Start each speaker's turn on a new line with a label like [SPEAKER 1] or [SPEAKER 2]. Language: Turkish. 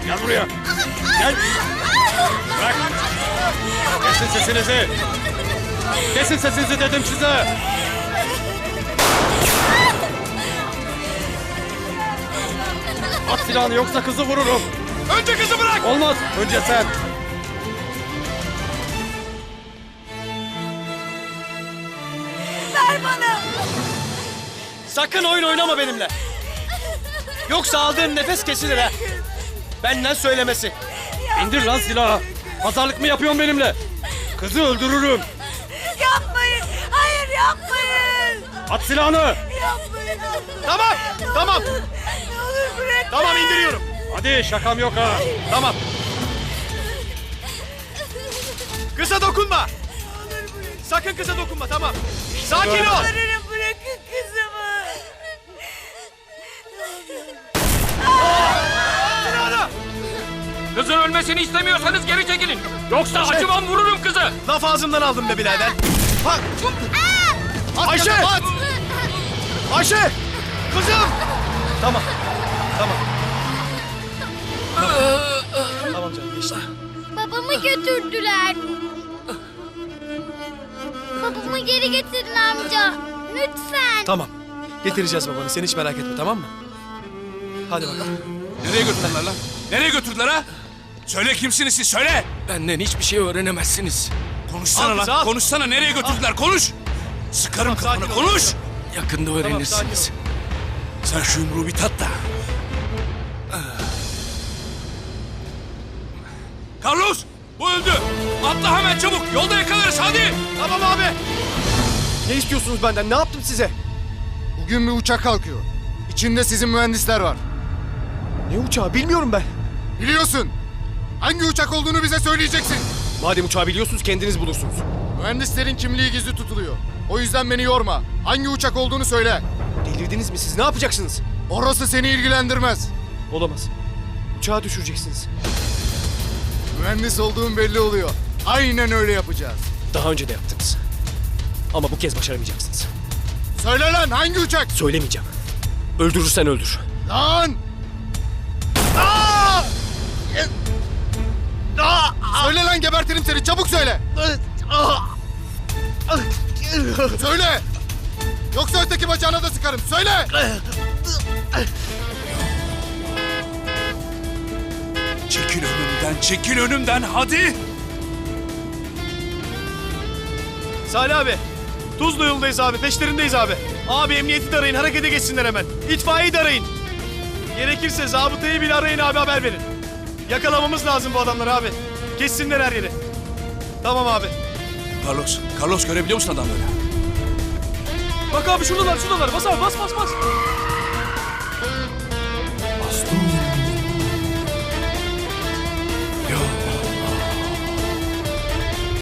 [SPEAKER 1] Gel buraya. Gel. Bırak. Kesin sesinizi. Kesin sesinizi dedim size. At silahını yoksa kızı vururum.
[SPEAKER 2] Önce kızı bırak!
[SPEAKER 1] Olmaz. Önce sen.
[SPEAKER 3] Ver bana.
[SPEAKER 2] Sakın oyun oynama benimle. Yoksa aldığın nefes kesilir ha. Benden söylemesi.
[SPEAKER 1] İndir lan silahı. Pazarlık mı yapıyorsun benimle? Kızı öldürürüm.
[SPEAKER 3] Yapmayın. Hayır yapmayın.
[SPEAKER 1] At silahını.
[SPEAKER 3] Yapmayın.
[SPEAKER 2] Tamam, tamam.
[SPEAKER 3] Ne olur bırakın.
[SPEAKER 2] Tamam indiriyorum.
[SPEAKER 1] Hadi şakam yok ha.
[SPEAKER 2] Tamam. Kıza dokunma. Sakın kıza dokunma, tamam. Sakin ol.
[SPEAKER 3] Yalvarırım, bırakın kızımı.
[SPEAKER 2] Silahını.
[SPEAKER 4] Kızın ölmesini istemiyorsanız geri çekilin. Yoksa acımam vururum kızı.
[SPEAKER 2] Laf ağzımdan aldım be birader. Ha. Ayşe! At! Ayşe! Kızım! Tamam. Tamam. Tamam canım geçti.
[SPEAKER 5] Babamı götürdüler. Babamı geri getirin amca. Lütfen.
[SPEAKER 2] Tamam. Getireceğiz babanı. Sen hiç merak etme, tamam mı? Hadi bakalım.
[SPEAKER 6] Nereye götürdüler lan? Nereye götürdüler ha? Söyle kimsiniz siz, söyle!
[SPEAKER 4] Benden hiçbir şey öğrenemezsiniz.
[SPEAKER 6] Konuşsana
[SPEAKER 2] Al kızı,
[SPEAKER 6] lan,
[SPEAKER 2] al.
[SPEAKER 6] konuşsana, nereye götürdüler, konuş! Sıkarım
[SPEAKER 2] Tamam,
[SPEAKER 6] kafana,
[SPEAKER 2] sakin ol.
[SPEAKER 6] konuş!
[SPEAKER 4] Yakında öğrenirsiniz.
[SPEAKER 6] Sen şu yumruğu bir tat da. Carlos, bu öldü! Atla hemen çabuk, yolda yakalarız, hadi!
[SPEAKER 2] Tamam abi. Ne istiyorsunuz benden? Ne yaptım size?
[SPEAKER 7] Bugün bir uçak kalkıyor. İçinde sizin mühendisler var.
[SPEAKER 2] Ne uçağı bilmiyorum ben.
[SPEAKER 7] Biliyorsun. Hangi uçak olduğunu bize söyleyeceksin.
[SPEAKER 2] Madem uçağı biliyorsunuz kendiniz bulursunuz.
[SPEAKER 7] Mühendislerin kimliği gizli tutuluyor. O yüzden beni yorma. Hangi uçak olduğunu söyle.
[SPEAKER 2] Delirdiniz mi siz? Ne yapacaksınız?
[SPEAKER 7] Orası seni ilgilendirmez.
[SPEAKER 2] Olamaz. Uçağı düşüreceksiniz.
[SPEAKER 7] Mühendis olduğun belli oluyor. Aynen öyle yapacağız.
[SPEAKER 2] Daha önce de yaptınız. Ama bu kez başaramayacaksınız.
[SPEAKER 7] Söyle lan hangi uçak?
[SPEAKER 2] Söylemeyeceğim. Öldürürsen öldür.
[SPEAKER 7] Lan! Aa! Söyle lan gebertirim seni. Çabuk söyle. Söyle. Yoksa öteki bacağına da sıkarım. Söyle.
[SPEAKER 6] Çekil önümden, hadi!
[SPEAKER 2] Salih abi. Tuzlu yoldayız abi. Peşlerindeyiz abi. Abi emniyeti de arayın. Harekete geçsinler hemen. İtfaiyeyi de arayın. Gerekirse zabıtayı bile arayın abi, haber verin. Yakalamamız lazım bu adamları abi. Kessinler her yeri. Tamam abi.
[SPEAKER 6] Carlos görebiliyor musun adamları?
[SPEAKER 2] Bak abi şuradalar. Bas abi bas.